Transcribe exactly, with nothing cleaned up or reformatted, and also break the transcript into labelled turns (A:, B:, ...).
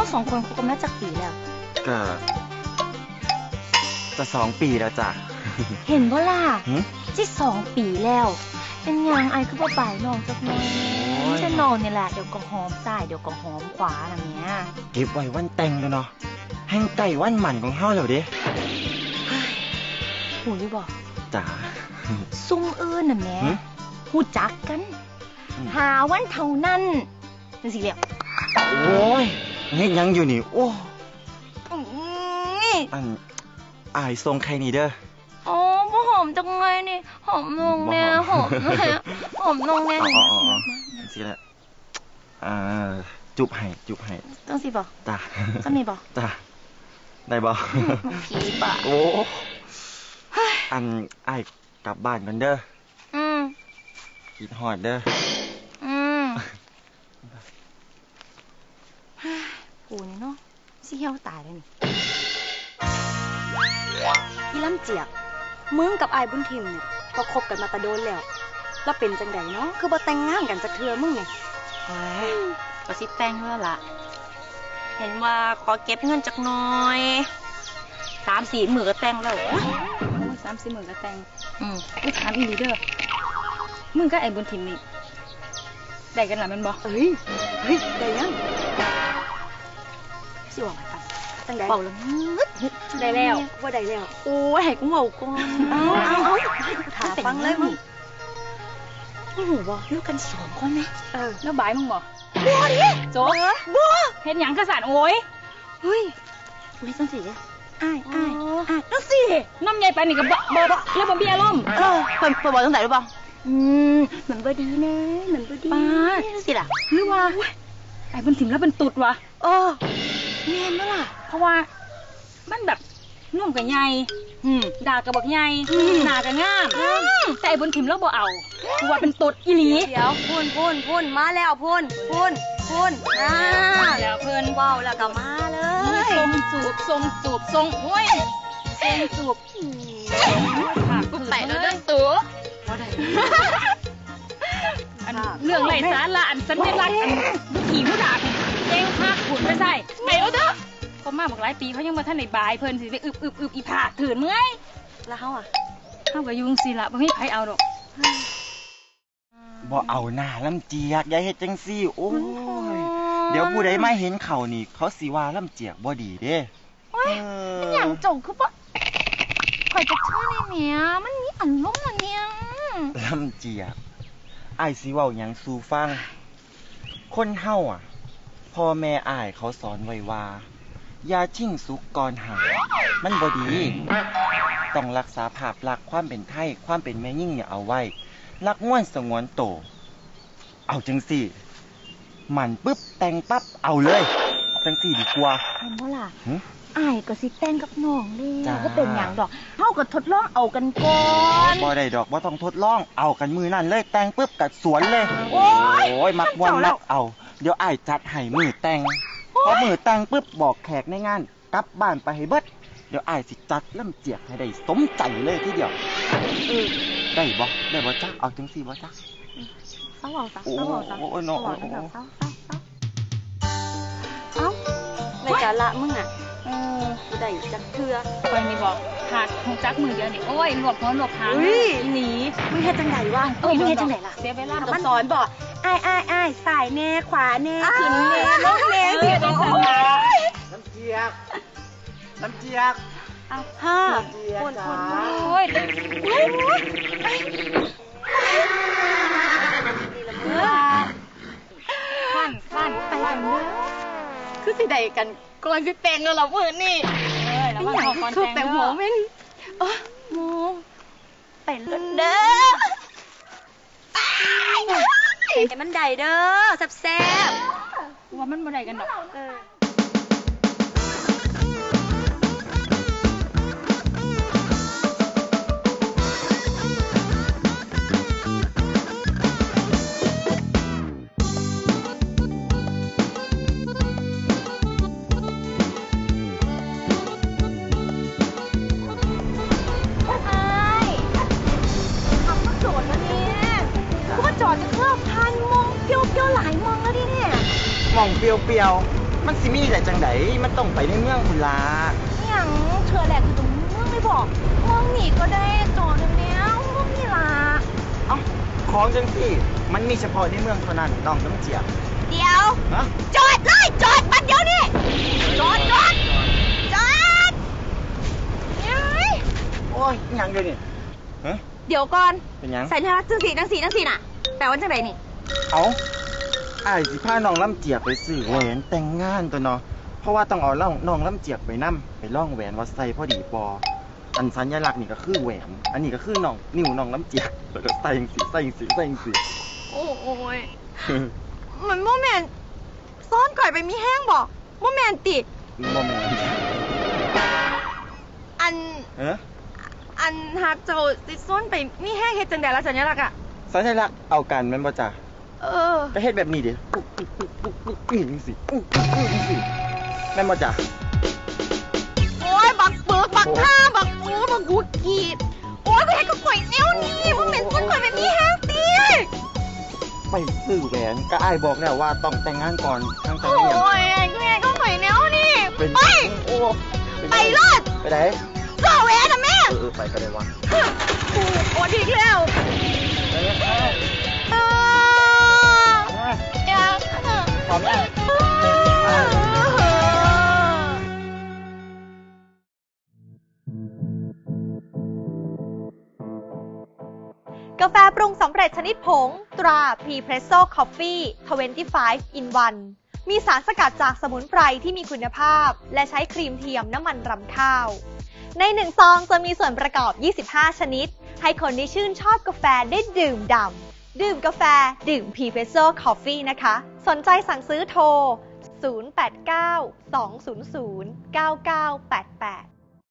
A: สองคนคบกันมาจากปีแล้ว
B: ก็จะสองปีแล้วจ้ะ
A: เห็นบ่ล่ะที่สองปีแล้วเป็นยังไอคือบ่บ่ายน้องจักหน่อยจะนอนนี่แหละเดี๋ยวก็หอมซ้ายเดี๋ยวก็หอมขวาอะไรเงี้ย
B: เก็บไว้วันแต่งแล้วเนาะแห่งไก่วันหมันของเฮาแล้วเด้
A: หูรู้บ่
B: จ๋า
A: ซุ่มอื่นน่ะแม่หูจักกันหาวันเท่านั้นจังสิแล้ว
B: โอ้ยเฮ็ดยังอยู่นี่โอ้อันอายทรงใครนี่เด้อ
A: อ๋อบ่หอมจังไงนี่หอมลงแน่หอมแน่หอมลงแน่
B: อ๋อสิละอ่าจุบให้จุบให้
A: ต้องสิบ่
B: จ้า
A: จะมีบ่
B: จ้าได้บ่
A: ผีป่ะ
B: โอ้อันอายกลับบ้านกันเด้อ
A: อืม
B: คิดฮอดเด้อ
A: อืมกูนี่เนาะสิเหี่ยวตายเลยนี่
C: พี่ลำเจียกมึงกับอายบุญทิมเนี่ยก็คบกันมาตะโดนแล้วแล้วเป็นจังไดเนาะคือบ่แต่งงานกันจักเทื่อมึงเนี่ย
A: โอ้ยก็สิแต่งแล้วล่ะเห็นว่าขอเก็บเงินจักหน่อยสามสี่หมื่นก็แต่งแล้ว
C: สามสี่หมื่นก็แต่ง
A: อืม
C: อุ้ยถามอีหลีเด้อมึงกับไอ้บุญทิมนี่ได้กันหรอมันบอกเฮ้ยเฮ้ยได้ยังสิว่าไงตั้งแต่
A: เป่าแล้ว
C: ได้แล้วว่าได้แล้ว
A: โอ้ยให้กูเมาก่อน
C: เอาเอาเอาถามฟังเลยมึง
A: มึงหูบ่ลูกกันสองคนไหม
C: เออแล้วบายมึงบอก
A: บัวดิ
C: โจ๊กบัวเห็นหยังกระสานโอ้ย
A: เฮ้ยไม่ต้องสิอ้ายอ้ายอ้าย
C: ต้องสิน้ำใหญ่ไปนี่กับบ่บ่บ่แล้วบ่มีอารมณ์
A: เออเปิดเปิดบอกตั้งแต่หรือเปล่า
C: อืมเหมือนบ่ดีนะเหมือนบ่ดี
A: ป้าสิล่ะ
C: หรือว่าไอ้บุญถิ่มแล้วเป็นตุดวะ
A: เออแม่นมั้ยล่ะ
C: เพราะว่ามันแบบนุ่มกับใหญ่ด่ากับบอกใหญ่หนากับงามแต่ไอ้บุญถิ่มแล้วบ่เอาคือว่าเป็นตุดอีหลี
A: เดี๋ยวพูนพูนพูนมาแล้วพูนพูนพูนอ่า
C: แล้วเพิ่น
A: ว้าวแล้วก็มาเลย
C: ทรงจูบทรงจูบทรงโอ้ยทรงจูบ
A: กูแตะแล้วเด้อตัว
C: เรื่องไรสาระอันสัญลักษณ์อันขี่ผู้ด่าเจ้งภาคขุนไม่ใช่ไปแล้วเด้อเขามาบอกหลายปีเขายังมาท่านในบายเพิ่นสิไปอึบอึบอึบอีผาถืนเมื่อย
A: แล้วเขาอ่ะ
C: เขากับยุงสิละบ่มีใครเอาดอก
B: บ่เอาหน้าลำเจียกอย่าเฮ็ดจังซี่โอ้ยเดี๋ยวผู้ใดมาเห็นเขานี่เขาสิว่าลำเจียกบ่ดีเด้
A: โอ้ยมันหยังจงคือบ่ข่อยจะเชื่อในเมียมันมีอารมณ์อะเนี่ย
B: ลำเจียกอ้ายสิเว้าหยังสู่ฟังคนเฮาอ่ะพ่อแม่อ้ายเขาสอนไว้ว่าอย่าชิ่งสุกก่อนหามันบ่ดีต้องรักษาภาพลักษณ์ความเป็นไทยความเป็นแม่ยิ่งเนี่ยเอาไว้รักง่วนสงวนโตเอาจังสี่มันปึ๊บแต่งปั๊บเอาเลยจังสี่ดีกว่า
A: เห็นบ่ล่ะอ้ายก็สิแต่งกับน้องเลยก็เป็นหยังดอกเฮาก็ทดลองเอากันก่อน
B: บ่ได้ดอกบ่ต้องทดลองเอากันมือนั่นเลยแต่งปึ๊บกัดสวนเลยโอ้ยมักม่วนมักเอาเดี๋ยวอ้ายจัดให้มือแต่งพอมือแต่งปึ๊บบอกแขกในงานกลับบ้านไปให้เบิดเดี๋ยวอ้ายสิจัดลำเจียกให้ได้สมใจเลยทีเดียว
A: เออ
B: ได้บ่ได้บ่จ๊ะเอาจังซี่บ่จ๊ะ
A: เศร้าเอาซะเศร้าเอาซะ
B: โอ้ยน้องเศร้า
A: เศร้า
C: เอ้าในกาละมึงอ่ะเออได้จักเทื่อไปนี่บอกขาดหงจักมือเดียวนี่โอ้ยหลวกหัวหลวกหางหนี
A: มึงเฮ็ดจังไดวะเอ้ยมึงเฮ็ดจังไดล่ะ
C: เสียเวลา
A: มันสอนบ่อ้ายอ้ายอ้ายสายแน่ขวาแน่ขึ้นแน่ลงแน่สิโอ้
B: ยน้ำเจียกน้ำเจียก
A: อ้าวฮ่าคนคนโอ้ย
C: ขั้นขั้น
A: ไปกันเด้อ
C: คือสิได้กันก่อนสิแต่งแล้วล่ะมื้อนี้เอ้ยแล้วมาขอก่อนแต่งหัวแม่น
A: เออโมไปเลยเด้อไอ้มันได้เด้อแซ่บ
C: ๆว่ามันบ่ได้กันดอกเออ
A: จอดจะเคลื่อนพันมองเปียวเปียวหลายมองแล้วดิเนี่ย
B: มองเปียวเปียวมันสิมีได้จังไดมันต้องไปในเมืองพุ่นล่ะ
A: อหย่างเธอแหละคือตรงเมืองไม่บอกเมืองหนีก็ได้จอดเนี้ยเมืองนี่ล่ะ
B: เอ้าของจังซี่มันมีเฉพาะในเมืองเท่านั้นน้องน้ำเจียบ
A: เดี๋ยว
B: ฮะ
A: จอดเลยจอดบัดเดี๋ยวนี้จอดจอดจอดเฮ้ย
B: โอ้ยอิหยังเดี๋ยวนี้ฮะ
A: เดี๋ยวก่อน
B: เป็นหยัง
A: สัญลักษณ์จังสีจังสีจังสีน่ะแปลว่าจังไรนี่
B: เอาอ้ายสิพาน้องลำเจียกไปซื้อแหวนแต่งงานตัวเนาะเพราะว่าต้องเอาล่องน้องลำเจียกไปนํไปล่องแหวนว่าใส่พอดีปออันสัญลักษณ์นี่ก็คือแหวน อันนี้ก็คือน้องนิ้วน้องลำเจียกแล้วก็ใส่จังสีใส่จังสีใส่จังสี
A: โอ้ยมันโมเมนต์ซ้อนก่อยไปมีแห้งบอกโมเมนติ
B: บ่แม่น
A: อัน
B: เอ้อ
A: อันฮักเจ้าติซ้อนไปมีแห้งเฮ็ดจังได๋ล่ะสัญลักษณ์อ่ะ
B: สัญลักษณ์เอากันแม่นบ่จ้ะ
A: เออ
B: ก็เฮ็ดแบบนี้ดิปุ๊บปุ๊บปุ๊บปุ๊บปุ๊บนี่จังซี่ปุ๊บปุ๊บปุ๊บจังซี่แม่นบ่จ้ะ
A: โอ้ยบักเบิกบักท่าบักโอ้บักกูกีดโอ้ยกูเฮ็ดกับข่อยแนวนี้โมเมนต์ซ้อนก่อยไปมีแห้งติ
B: ไปซื้อแหวนก็อ้ายบอกแล้วว่าต้องแต่งงานก่อนทางแต่ง
A: โอ้
B: งานหยัง
A: ยกูเฮ็ดกับข่อยแนวนี้
B: เป็น
A: ไป
B: โอ้
A: ไปรถ
B: ไปไหน
A: เจ้าแหวนน่ะแม่
B: เออเออไปก็ได้วะ
A: กูโอ้ดีกแล้ว
B: ไปเลยไป
A: เออ
B: นะ
A: อยาก
B: พร้อมแล้ว
D: กาแฟปรุงสำเร็จชนิดผงตรา Prepresso Coffee ยี่สิบห้า in วัน มีสารสกัดจากสมุนไพรที่มีคุณภาพและใช้ครีมเทียมน้ำมันรำข้าว ในหนึ่งซองจะมีส่วนประกอบ ยี่สิบห้า ชนิด ให้คนที่ชื่นชอบกาแฟได้ดื่มด่ำดื่มกาแฟดื่ม Prepresso Coffee นะคะ สนใจสั่งซื้อโทร ศูนย์ แปด เก้า สอง ศูนย์ ศูนย์ เก้า เก้า แปด แปด